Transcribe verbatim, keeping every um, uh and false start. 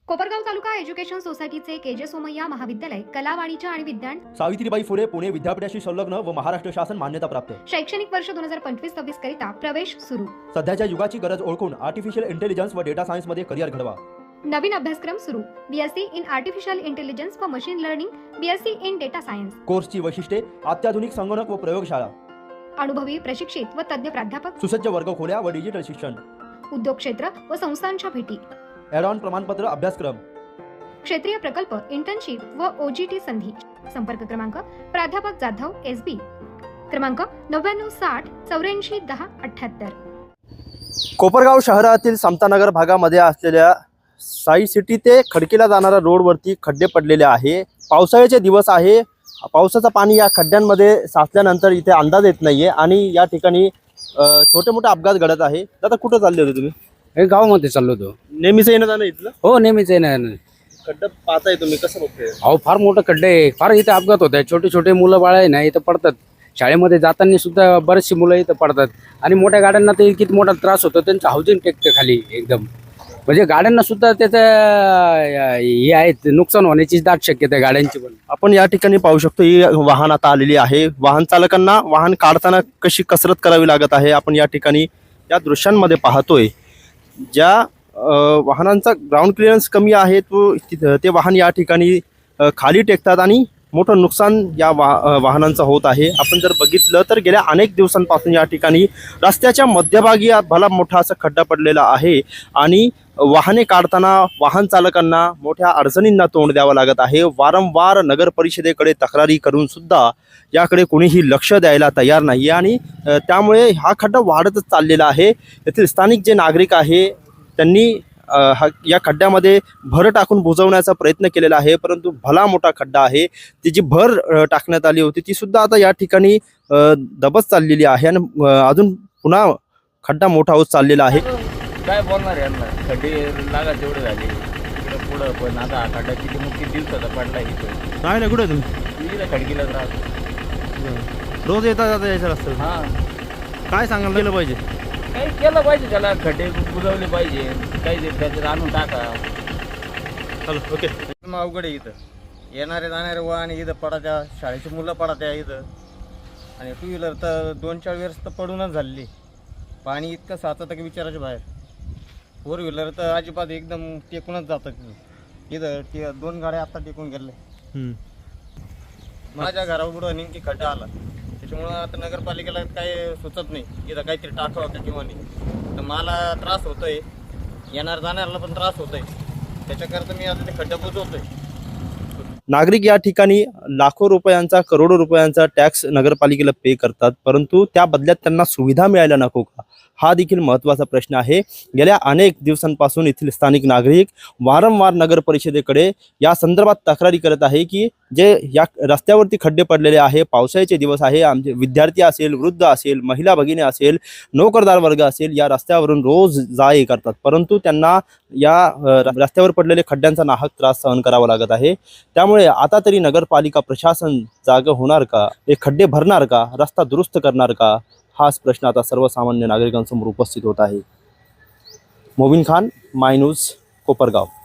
Kopargaon taluka education सोसायटीचे KJ Somaiya महाविद्यालय कला वाणिज्य आणि विज्ञान सावित्रीबाई फुले पुणे विद्यापीठाशी संलग्न व महाराष्ट्र शासन मान्यता प्राप्त शैक्षणिक वर्ष दोन हजार पंचवीस सव्वीस करिता प्रवेश सुरू। सध्याच्या युगाची गरज ओळखून आर्टिफिशियल इंटेलिजन्स व डेटा सायन्स मध्ये करिअर घडवा। नवीन अभ्यासक्रम सुरू। बीएससी इन आर्टिफिशियल इंटेलिजन्स व machine learning, BSc in data science. कोर्सची वैशिष्ट्ये अत्याधुनिक संगणक व प्रयोगशाळा, अनुभवी प्रशिक्षित व तज्ञ प्राध्यापक, सुसज्ज वर्गखोल्या व डिजिटल शिक्षण, उद्योग क्षेत्र व संस्थांच्या भेटी, ॲड ऑन प्रमाणपत्र अभ्यासक्रम, क्षेत्रीय प्रकल्प, इंटर्नशिप व ओजीटी संधी। संपर्क क्रमांक प्राध्यापक जाधव एस बी, क्रमांक नव्याण्णव साठ चौऱ्याऐंशी दहा अठ्ठ्याहत्तर। कोपरगाव शहरातील समतानगर भागामध्ये असलेल्या साई सिटी ते खडकीला जाणाऱ्या रोडवरती खड्डे पडलेले आहे। पावसाळ्याचे दिवस आहे, पावसाचं पाणी या खड्ड्यांमध्ये साचल्यानंतर इथे अंदाज येत नाहीये आणि या ठिकाणी छोटे मोठे अपघात घडत आहे। दादा कुठं चालले होते तुम्ही? हे गावामध्ये चाललो होतो। नेहमीच येणं जाणं इथलं? हो नेहमीच आहे ना। खड्डा पाहताय तुम्ही, कसं बघताय? अहो फार मोठं खड्डे आहे, फार इथे अपघात होत आहे। छोटे छोटे मुलं बाळ आहे ना इथं पडतात, शाळेमध्ये जाताना सुद्धा बरेचशी मुलं इथं पडतात आणि मोठ्या गाड्यांना तर किती मोठा त्रास होतो, त्यांचं हाऊसिंग टेकतं खाली एकदम, म्हणजे गाड्यांना सुद्धा त्याचं हे आहे, नुकसान होण्याची दाट शक्यता आहे गाड्यांची पण। आपण या ठिकाणी पाहू शकतो ही वाहन आता आलेली आहे। वाहन चालकांना वाहन काढताना कशी कसरत करावी लागत आहे आपण या ठिकाणी या दृश्यांमध्ये पाहतोय। ज्या वाहनांचा ग्राउंड क्लिअरन्स कमी आहे तो ते वाहन या ठिकाणी खाली टेकतात आणि मोठं नुकसान या वा वाहनांचं होत आहे। आपण जर बघितलं तर गेल्या अनेक दिवसांपासून या ठिकाणी रस्त्याच्या मध्यभागी भला मोठा असा खड्डा पडलेला आहे आणि वाहने काढताना वाहन चालकांना मोठ्या अडचणींना तोंड द्यावं लागत आहे। वारंवार नगर परिषदेकडे तक्रारी करून सुद्धा याकडे कोणीही लक्ष द्यायला तयार नाही आणि त्यामुळे हा खड्डा वाढतच चाललेला आहे। येथील स्थानिक जे नागरिक आहे त्यांनी हा या खड्ड्यामध्ये भर टाकून बुजवण्याचा प्रयत्न केलेला आहे, परंतु भला मोठा खड्डा आहे। ती जी भर टाकण्यात आली होती ती सुद्धा आता या ठिकाणी दबत चाललेली आहे आणि अजून पुन्हा खड्डा मोठा होत चाललेला आहे। काय बोलणार यांना, खड्डे लागा तेवढे झाले इकडे पुढं, पण आता हा खड्डा किती मुख्य दिवसाचा पडला इथं। काय नाही कुठे तुम्ही? इथं खडकीलाच राहतो, रोज येता जाता यायचं रस्ता। हां काय सांगायला गेलं पाहिजे? काही केलं पाहिजे, त्याला खड्डे बुजवले पाहिजे, काही त्याच्यात आणून टाका। चलो ओके। अवघड आहे इथं, येणारे जाणारे वाहन इथं पडात्या, शाळेची मुलं पडात्या इथं, आणि टू व्हीलर तर दोन चार वेळेस तर पडूनच झालेली। पाणी इतकं साचतं की विचाराच्या बाहेर। फोर व्हीलर तर अजिबात एकदम टेकूनच जातात इथं, ते दोन गाड्या आता टेकून गेल्या। माझ्या घरापुढं नेमकी खड्डा आला, त्याच्यामुळं आता नगरपालिकेला काही सुचत नाही इथं काहीतरी टाकावं का किंवा नाही। तर मला त्रास होतोय, येणार जाणाऱ्याला पण त्रास होतोय, त्याच्याकरता मी आता ते खड्डा बुजवतोय। नागरिक या ठिकाणी लाखो रुपयांचा करोडो रुपयांचा टॅक्स नगरपालिकेला पे करतात, परंतु त्या बदल्यात त्यांना सुविधा मिळायला नको का, हा देखील महत्त्वाचा प्रश्न आहे। गेल्या अनेक दिवसांपासून येथील स्थानिक नागरिक वारंवार नगर परिषदेकडे या संदर्भात तक्रारी करत आहे की जे या रस्त्यावरती खड्डे पडलेले आहे, पावसाळ्याचे दिवस आहे, आमचे विद्यार्थी असेल, वृद्ध असेल, महिला भगिनी असेल, नोकरदार वर्ग असेल, या रस्त्यावरून रोज जा ये करतात, परंतु त्यांना या रस्त्यावर पडलेले खड्ड्यांचा नाहक त्रास सहन करावा लागत आहे। त्यामुळे आता तरी नगरपालिका प्रशासन जागं होणार का, हे खड्डे भरणार का, रस्ता दुरुस्त करणार का, हाच प्रश्न आता सर्वसामान्य नागरिकांसमोर उपस्थित होत आहे। Mobin Khan, my news, Kopargaon.